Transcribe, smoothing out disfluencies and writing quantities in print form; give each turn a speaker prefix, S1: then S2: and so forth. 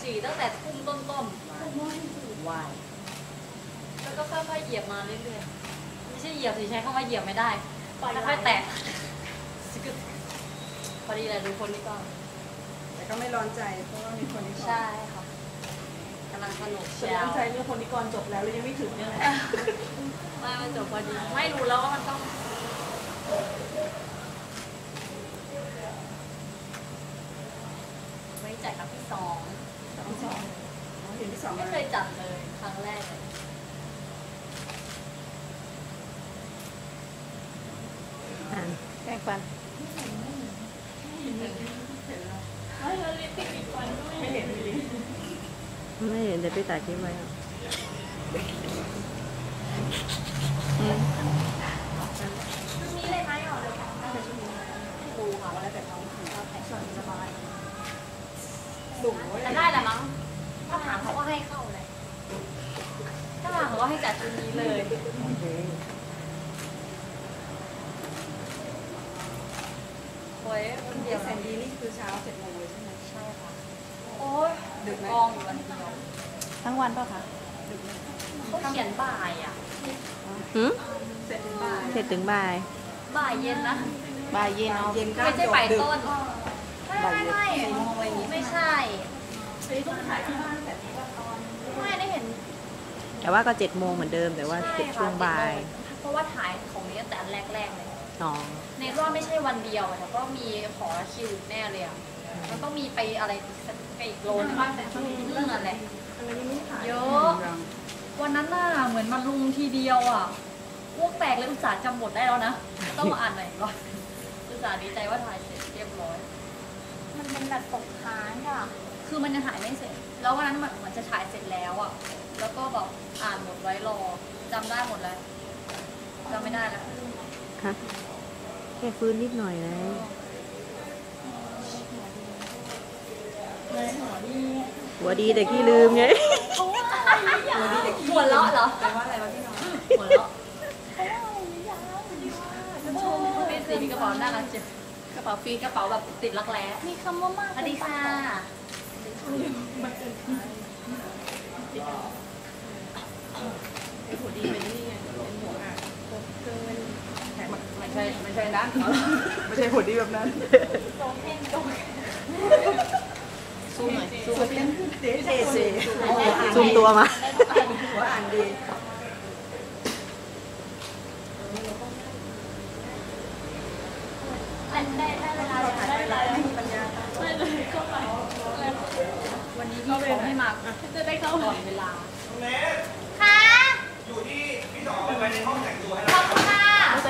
S1: ฉี่ตั้งแต่ทุ่มต้นๆวายแล้วก็ค่อยๆเหยียบมาเรื่อยๆไม่ใช่เหยียบสิใช้คำว่าเหยียบไม่ได้ค่อยๆแตะพอดีเลยดูคนนี้ก่อน
S2: แต่ก็ไม่ร้อนใจเพราะว่ามีคนนี้ก่อน
S1: ใช่ค่ะกำลังสนุกเชียว
S2: ร้อนใจเรื่องคนนี้ก่อนจบแล้วเลยยังไม่ถึงเนี่ยแหละ
S1: ไม่มันจบพอดีไม่รู้แล้วว่ามันต้องไว้จัดกับพี่สอง
S2: เห็นที่สอง
S1: ไม่เคยจัดเลยครั้งแรกเลย
S3: แป้งฟัน
S1: ไม่แล้วลิปติกอีกฟันด้วย
S2: ไม่เห็นเลย
S3: ไม่เห็นเดี๋ยวไปตัดคลิปไว้
S1: ชุดนี้เลยไหมอ๋อเลยค่ะน่าจะชุดนี้ดูค่ะว่าแล้วแต่น้องถือว่าแต่งสบายสูงจะได้แหละมั้งถ้าถามเขาก็ให้เข้าเลยถ้าถามเขาก็ให้จัดชุดนี้เลยโอ้ยคนเดียว
S2: แซนดี้นี่คือเช้า7 โมงเลยใช่ไหม
S1: ใช่ค่ะโอ้ยดึกกองอยู่วันเดียว
S3: ทั้งวันป่ะคะ
S1: เขาเขียนบ่ายอ่ะ
S2: เสร็จถึงบ่าย
S3: เสร็จถึงบ่าย
S1: บ่ายเย็นนะ
S3: บ่ายเย็นเอา
S2: เย็นก็
S1: ไม่ใช่บ่ายต้นไม่
S2: 4 โมงอะไรอย่างงี้
S1: ไม่ใช่
S2: ต้องถ่ายที่บ้านแต่
S1: ไม่ได้เห็น
S3: แต่ว่าก็7 โมงเหมือนเดิมแต่ว่าเสร็จช่วงบ่าย
S1: เพราะว่าถ่ายของนี้ตั้งแต่อันแรกๆเลย
S3: อ๋อ
S1: ในรอบไม่ใช่วันเดียวแต่ก็มีขอคิวแน่เลยอ่ะมันต้องมีไปอะไรไปอีกโลนึงเรื่องอะไรเยอะวันนั้นน่ะเหมือนมันลุงทีเดียวอ่ะอ้วกแตกเลยอุตส่าห์จำบทได้แล้วนะต้องมาอ่านหน่อยก่อนอุตส่าห์ดีใจว่าถ่ายเสร็จเรียบร้อยมันเป็นแบบตกค้างอ่ะคือมันยังถ่ายไม่เสร็จแล้ววันนั้นมันจะถ่ายเสร็จแล้วอ่ะแล้วก็แบบอ่านหมดไว้รอจำได้หมดแล้วจำไม่ได้แล้ว
S3: ฮะแค่ฟื้นนิดหน่อยเลยหัวดีแต่ขี้ลืมไง
S1: หัวเราะเหรอ
S2: แปลว่าอะไรวะพี่น้อง
S1: หัวเราะเป็นสีมีกระเป๋าน่ารักจังกระเป๋าฟรีกระเป๋าแบบติดรักแร้มีคำว่ามากสวัสดีค่ะ
S2: เป็นหัวดีเป็นนี่ไงเป็นหัวอ่ะเครื่องเล่นไม่ใช่ด้านไม่ใช่หัวดีแบบนั้นซูมหน่อยซูมเล่นเด
S3: ซูมตัวมา
S2: หัวอ่านดี
S1: ได้เวลาถ่ายไปแล้วไม่มีปัญญาไม่เลยเข้าไปวันนี้พี่เขาให้มาจะได้เข้าก่อนเวลา
S4: น้องเนส
S1: ค่ะ
S4: อยู่ที่พี่สองไปในห้องแต่งตัวให้เรา